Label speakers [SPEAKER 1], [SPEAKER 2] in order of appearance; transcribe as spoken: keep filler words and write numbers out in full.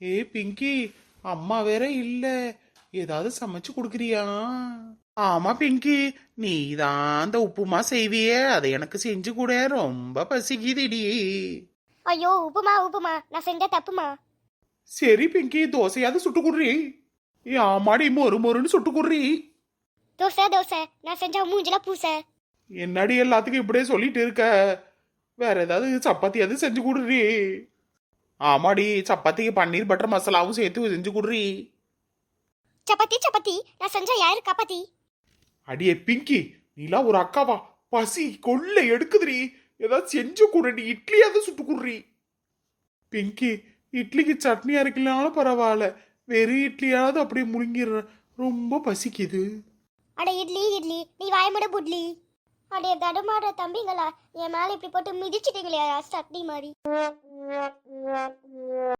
[SPEAKER 1] ஏ பிங்கி, அம்மா வேற இல்ல, ஏதாவது சமைச்சு கொடுக்குறியா? ஆமா பிங்கி, நீ தான் அந்த உப்புமா செய்வியே, அதை எனக்கு செஞ்சு கூட, ரொம்ப பசிக்குதுடி.
[SPEAKER 2] ஐயோ உப்புமா உப்புமா நான் செஞ்ச தப்புமா.
[SPEAKER 1] சரி பிங்கி, தோசையாவது சுட்டு குடுறி. ஏ ஆமாடி, மொறு மொறுன்னு சுட்டு குடுறி.
[SPEAKER 2] தோசை தோசை நான் செஞ்ச மூஞ்சில பூசை.
[SPEAKER 1] என்னடி எல்லாத்துக்கும் இப்படியே சொல்லிட்டு இருக்க? வேற ஏதாவது சப்பாத்தியாவது செஞ்சு குடுறி. ஆமாடி, சப்பாத்திக்கு பன்னீர் பட்டர் மசாலாவும் சேர்த்து செஞ்சு குடுறி.
[SPEAKER 2] சப்பாத்தி சப்பாத்தி நான் செஞ்ச யாரு காப்பாத்தி.
[SPEAKER 1] அடியே பிங்கி, நீலாம் ஒரு அக்காவா? பசி கொள்ள எடுக்குதுடி, ஏதாவது செஞ்சு குடுறி. இட்லியாவது சுட்டு குடுறி. பிங்கி, இட்லிக்கு சட்னி அரைக்கலனாலும் பரவாயில்ல, வெறும் இட்லியாவது அப்படியே முழுங்கிடுற, ரொம்ப பசிக்குது.
[SPEAKER 2] அட இட்லி இட்லி நீ வாயமுட புட்லி. அடே தடுமாடுற தம்பிங்களா, என் மேல இப்படி போட்டு மிதிச்சிட்டீங்களே சட்னி மாதிரி.